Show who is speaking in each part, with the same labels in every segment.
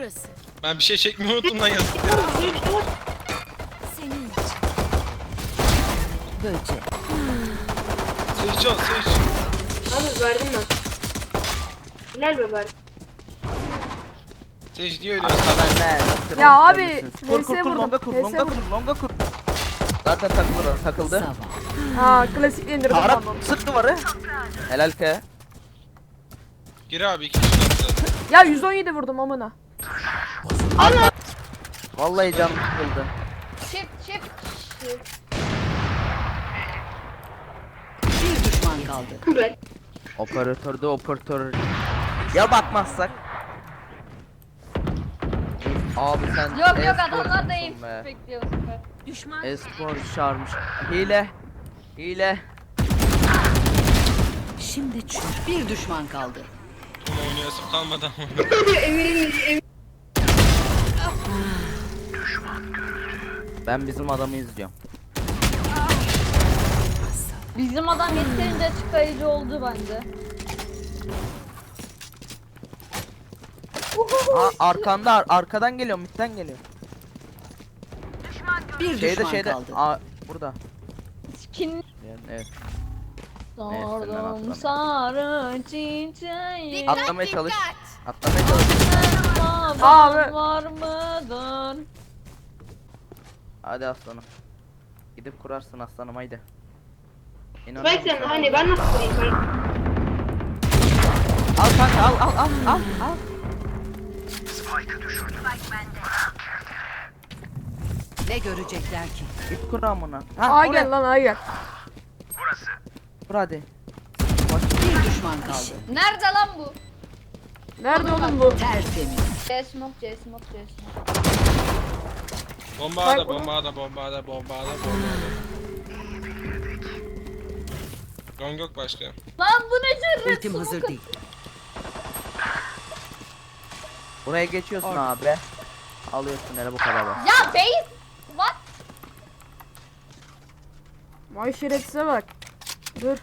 Speaker 1: Burası.
Speaker 2: Ben bir şey çekmeyi unuttum lan yazık.
Speaker 1: Senin için. Böcek.
Speaker 2: Seç ol seç.
Speaker 3: Abi verdim ben. Helal be verdim.
Speaker 2: Seç niye öyle?
Speaker 4: Ya abi
Speaker 5: Kur
Speaker 4: HS
Speaker 5: kur kur
Speaker 4: vurdum.
Speaker 5: longa kur
Speaker 4: HS
Speaker 5: longa kur
Speaker 4: vurdum.
Speaker 5: longa kur. Zaten takılır takıldı.
Speaker 1: Sabah.
Speaker 4: Aa klasik indirdim
Speaker 5: Arap
Speaker 4: tamam.
Speaker 5: sık duvarı. Helal ke.
Speaker 2: Gir abi ikinci nokta.
Speaker 4: Ya 117 vurdum amına.
Speaker 5: Vallahi canım sıkıldı.
Speaker 3: Shift.
Speaker 1: Bir düşman kaldı.
Speaker 3: Ben.
Speaker 5: Operatörde operatör. Ya bakmazsak. Abi sen
Speaker 6: Yok
Speaker 5: e-sporcusun
Speaker 6: adamlar da iyi
Speaker 5: be.
Speaker 6: bekliyor bu sefer.
Speaker 1: Düşman.
Speaker 5: E-spor çağırmış. Hile.
Speaker 1: Şimdi çür. Bir düşman kaldı.
Speaker 2: Ama oynayasım kalmadı ama.
Speaker 5: Ben bizim adamı izliyorum.
Speaker 6: Bizim adam yeterince açıklayıcı oldu bence.
Speaker 5: Arkadan geliyor, midden geliyor.
Speaker 1: Bir düşman kaldı.
Speaker 5: Burada.
Speaker 6: Kim
Speaker 5: Yani, evet.
Speaker 6: sordum sarı çiçeği.
Speaker 5: Atlamaya çalış. Atlamaya çalış.
Speaker 4: Abi.
Speaker 6: Var mıdır?
Speaker 5: Hadi aslanım. Gidip kurarsın aslanım haydi.
Speaker 3: Bak sen hani ben nasıl koyayım?
Speaker 5: Al kanka al.
Speaker 1: Ne görecekler ki?
Speaker 5: Git kur amına.
Speaker 4: Aa gel lan aa gel.
Speaker 5: Kur hadi.
Speaker 1: Bir düşman kaldı.
Speaker 6: Nerede lan bu?
Speaker 4: Nerede oğlum bu?
Speaker 1: Tertemiz.
Speaker 6: C smoke.
Speaker 2: Bomba da. Gong yok başka.
Speaker 6: Lan bu ne cırret
Speaker 1: Ultim hazır değil.
Speaker 5: Buraya geçiyorsun abi. Alıyorsun hele bu kadar bak.
Speaker 6: Ya base. What?
Speaker 4: Vay şerefsize bak. Dur.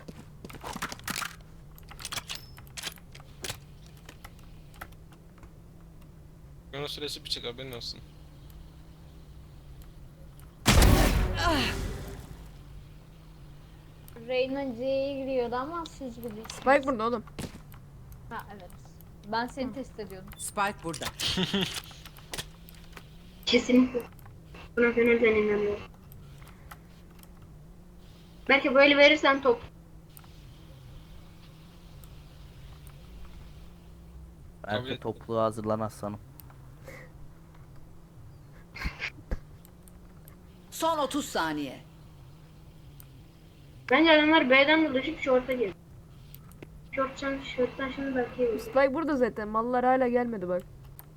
Speaker 2: Gönül süresi bir çık haberin olsun.
Speaker 6: Reyna C'ye giriyordu ama siz bilirsiniz.
Speaker 4: Spike burada oğlum.
Speaker 6: Ha evet. Ben seni test ediyordum.
Speaker 1: Spike burada.
Speaker 3: Kesinlikle. Buna gönülden inanıyorum. Belki böyle verirsen top.
Speaker 5: Belki topluğa hazırlan aslanım.
Speaker 1: Son 30 saniye.
Speaker 3: Bence adamlar B'den dolaşıp short'a girdi. Short'tan şimdi belki yiyor.
Speaker 4: Spike burada zaten. Mallar hala gelmedi bak.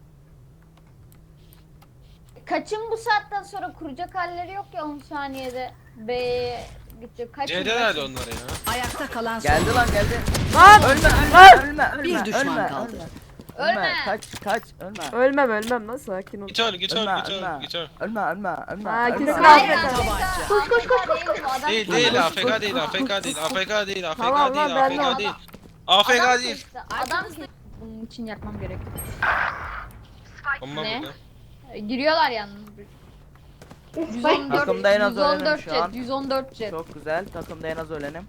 Speaker 6: Kaçın bu saatten sonra kuracak halleri yok ya 10 saniyede B'ye gidecek. Kaçın
Speaker 2: C'de nerede onlar ya?
Speaker 1: Ayakta kalan son.
Speaker 5: Geldi lan geldi.
Speaker 4: Lan!
Speaker 5: Ölme.
Speaker 1: Bir düşman kaldı.
Speaker 6: Ölme.
Speaker 5: Kaç ölme.
Speaker 4: Ölmem lan sakin ol.
Speaker 2: Git öl.
Speaker 5: Ölme.
Speaker 4: Ha,
Speaker 5: Ölme.
Speaker 4: kesin
Speaker 6: Hayır,
Speaker 4: AFK.
Speaker 6: tabanca. Adam
Speaker 2: Değil AFK değil.
Speaker 4: Tamam lan, ben de
Speaker 2: AFK değil. AFK değil.
Speaker 6: Adam bunun için yakmam gerek.
Speaker 2: Bomba
Speaker 6: Ne?
Speaker 2: burada.
Speaker 6: Giriyorlar yalnız.
Speaker 5: Takımda en az ölenim
Speaker 6: 114
Speaker 5: şu an.
Speaker 6: jet, 114 jet.
Speaker 5: Çok güzel. Takımda en az ölenim.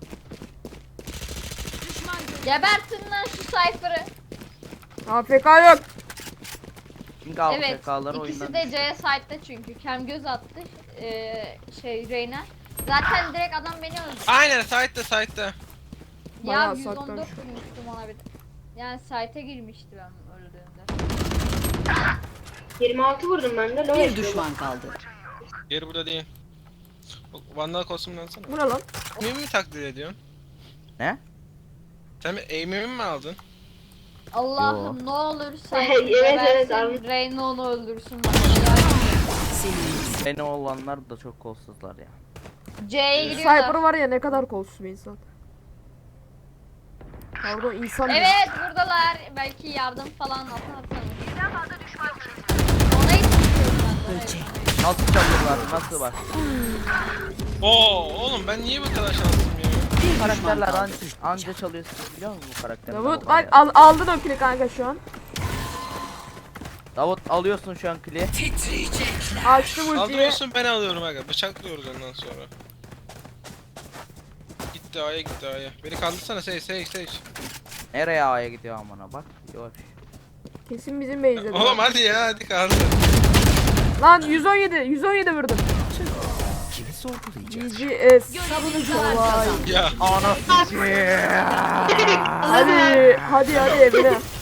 Speaker 6: Gebertin lan şu Cypher'ı.
Speaker 4: AFK yok.
Speaker 5: Çünkü
Speaker 6: Evet,
Speaker 5: AFK'ları
Speaker 6: ikisi
Speaker 5: oyundan
Speaker 6: de C site'da çünkü. Kem göz attı. Reyna. Zaten direkt adam beni öldürdü.
Speaker 2: Aynen site'da.
Speaker 6: Ya
Speaker 4: Bayağı
Speaker 6: 114
Speaker 4: saklanmış.
Speaker 6: vurmuştum ona bir de. Yani site'e girmişti ben öldüğümde.
Speaker 3: 26 vurdum ben de.
Speaker 1: Bir düşman kaldı.
Speaker 2: Geri burada değil. Vandal kostümlensene.
Speaker 4: Bu ne lan?
Speaker 2: Aim'imi mi takdir ediyorsun?
Speaker 5: Ne?
Speaker 2: Sen aim'imi mi aldın?
Speaker 6: Allah'ım ne olur sen
Speaker 3: Evet, evet,
Speaker 6: gebersin, Reyna onu öldürsün.
Speaker 1: Senin.
Speaker 5: Beni olanlar da çok kolsuzlar ya.
Speaker 6: C'ye giriyorlar.
Speaker 4: Cypher var ya ne kadar kolsuz bir insan. Pardon insan değil.
Speaker 6: Evet buradalar. Belki yardım falan atarsanız. Ona hiç
Speaker 1: Böcek.
Speaker 5: Nasıl çalıyorlar? Nasıl bak?
Speaker 2: Oo oğlum ben niye bu kadar şanslıyım ya?
Speaker 1: Bir düşman
Speaker 5: Karakterler
Speaker 1: kaldı.
Speaker 5: anca çalıyorsunuz biliyor musun bu karakterler?
Speaker 4: Davut
Speaker 5: O
Speaker 4: bak
Speaker 5: kadar.
Speaker 4: aldın o kili kanka şu an.
Speaker 5: Davut alıyorsun şu an kliği.
Speaker 4: Açtım ultiyi.
Speaker 2: Kaldırıyorsun ben alıyorum aga. Bıçaklıyoruz ondan sonra. Gitti A'ya gitti A'ya. Beni kaldırsana Sage.
Speaker 5: Nereye A'ya gidiyor amına bak. Yok.
Speaker 4: Kesin bizim base'de.
Speaker 2: Oğlum hadi ya hadi kaldır.
Speaker 4: Lan 117 vurdum.
Speaker 1: Kimi sorgulayacak?
Speaker 4: GGS.
Speaker 1: Savunucular
Speaker 4: Vay.
Speaker 1: kazandı.
Speaker 2: Ya.
Speaker 5: Anasını.
Speaker 4: Hadi evine.